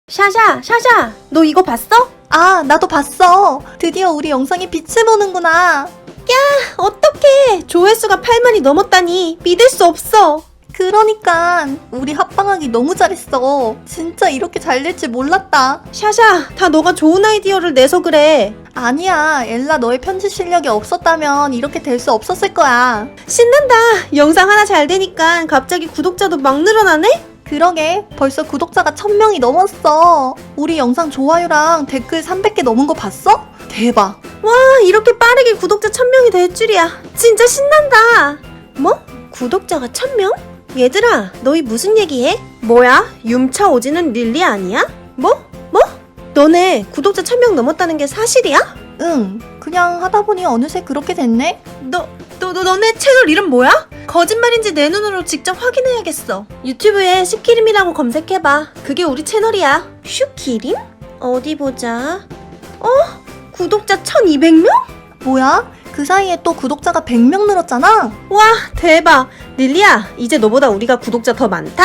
샤샤, 너 이거 봤어? 아, 나도 봤어. 드디어 우리 영상이 빛을 보는구나. 어떡해. 조회수가 8만이 넘었다니. 믿을 수 없어. 그러니까 우리 합방하기 너무 잘했어. 진짜 이렇게 잘 될 줄 몰랐다. 샤샤, 다 너가 좋은 아이디어를 내서 그래. 아니야, 엘라 너의 편집 실력이 없었다면 이렇게 될 수 없었을 거야. 신난다. 영상 하나 잘 되니까 갑자기 구독자도 막 늘어나네? 그러게, 벌써 구독자가 1000명이 넘었어. 우리 영상 좋아요랑 댓글 300개 넘은 거 봤어? 대박. 와, 이렇게 빠르게 구독자 1000명이 될 줄이야. 진짜 신난다. 뭐? 구독자가 1000명? 얘들아, 너희 무슨 얘기해? 뭐야? 윰차 오지는 릴리 아니야? 뭐? 너네 구독자 1000명 넘었다는 게 사실이야? 응, 그냥 하다 보니 어느새 그렇게 됐네? 너네 채널 이름 뭐야? 거짓말인지 내 눈으로 직접 확인해야겠어. 유튜브에 슈키림이라고 검색해봐. 그게 우리 채널이야. 슈키림? 어디 보자. 구독자 1200명? 뭐야? 그 사이에 또 구독자가 100명 늘었잖아? 와, 대박. 릴리야, 이제 너보다 우리가 구독자 더 많다.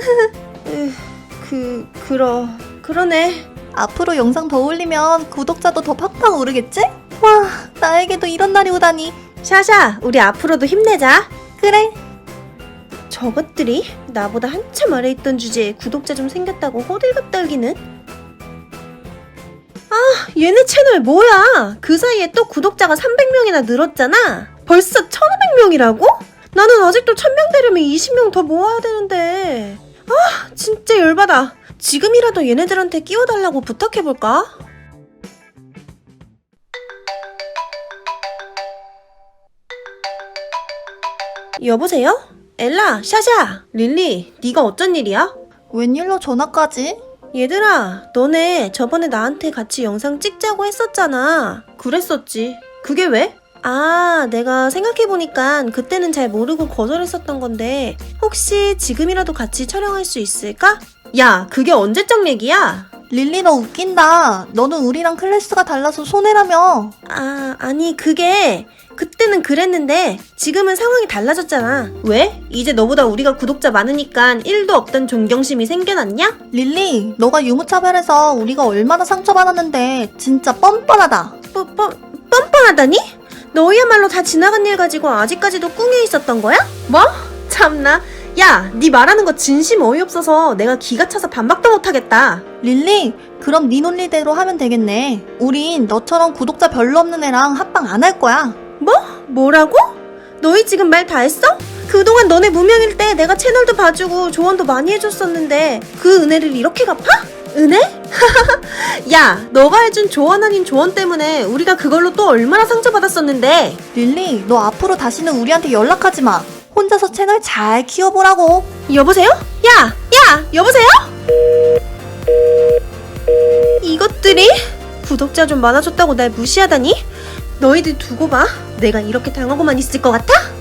그러네. 앞으로 영상 더 올리면 구독자도 더 팍팍 오르겠지? 와, 나에게도 이런 날이 오다니. 샤샤, 우리 앞으로도 힘내자. 그래. 저것들이 나보다 한참 아래 있던 주제에 구독자 좀 생겼다고 호들갑 떨기는? 얘네 채널 뭐야? 그 사이에 또 구독자가 300명이나 늘었잖아. 벌써 1500명이라고? 나는 아직도 1000명 되려면 20명 더 모아야 되는데. 진짜 열받아. 지금이라도 얘네들한테 끼워달라고 부탁해볼까? 여보세요? 엘라, 샤샤, 릴리, 네가 어쩐 일이야? 웬일로 전화까지? 얘들아, 너네 저번에 나한테 같이 영상 찍자고 했었잖아. 그랬었지. 그게 왜? 내가 생각해보니까 그때는 잘 모르고 거절했었던 건데 혹시 지금이라도 같이 촬영할 수 있을까? 야, 그게 언제적 얘기야? 릴리 너 웃긴다. 너는 우리랑 클래스가 달라서 손해라며. 아니 그게 그때는 그랬는데 지금은 상황이 달라졌잖아. 왜? 이제 너보다 우리가 구독자 많으니까 1도 없던 존경심이 생겨났냐? 릴리, 너가 유무차별해서 우리가 얼마나 상처받았는데 진짜 뻔뻔하다. 뻔뻔하다니? 너희야말로 다 지나간 일 가지고 아직까지도 꿍해 있었던 거야? 뭐? 참나. 야, 네 말하는 거 진심 어이없어서 내가 기가 차서 반박도 못하겠다. 릴리, 그럼 네 논리대로 하면 되겠네. 우린 너처럼 구독자 별로 없는 애랑 합방 안 할 거야. 뭐라고? 너희 지금 말 다 했어? 그동안 너네 무명일 때 내가 채널도 봐주고 조언도 많이 해줬었는데 그 은혜를 이렇게 갚아? 은혜? 야, 너가 해준 조언 아닌 조언 때문에 우리가 그걸로 또 얼마나 상처받았었는데. 릴리, 너 앞으로 다시는 우리한테 연락하지 마. 혼자서 채널 잘 키워보라고. 여보세요? 야, 여보세요? 이것들이? 구독자 좀 많아졌다고 날 무시하다니? 너희들 두고 봐. 내가 이렇게 당하고만 있을 것 같아?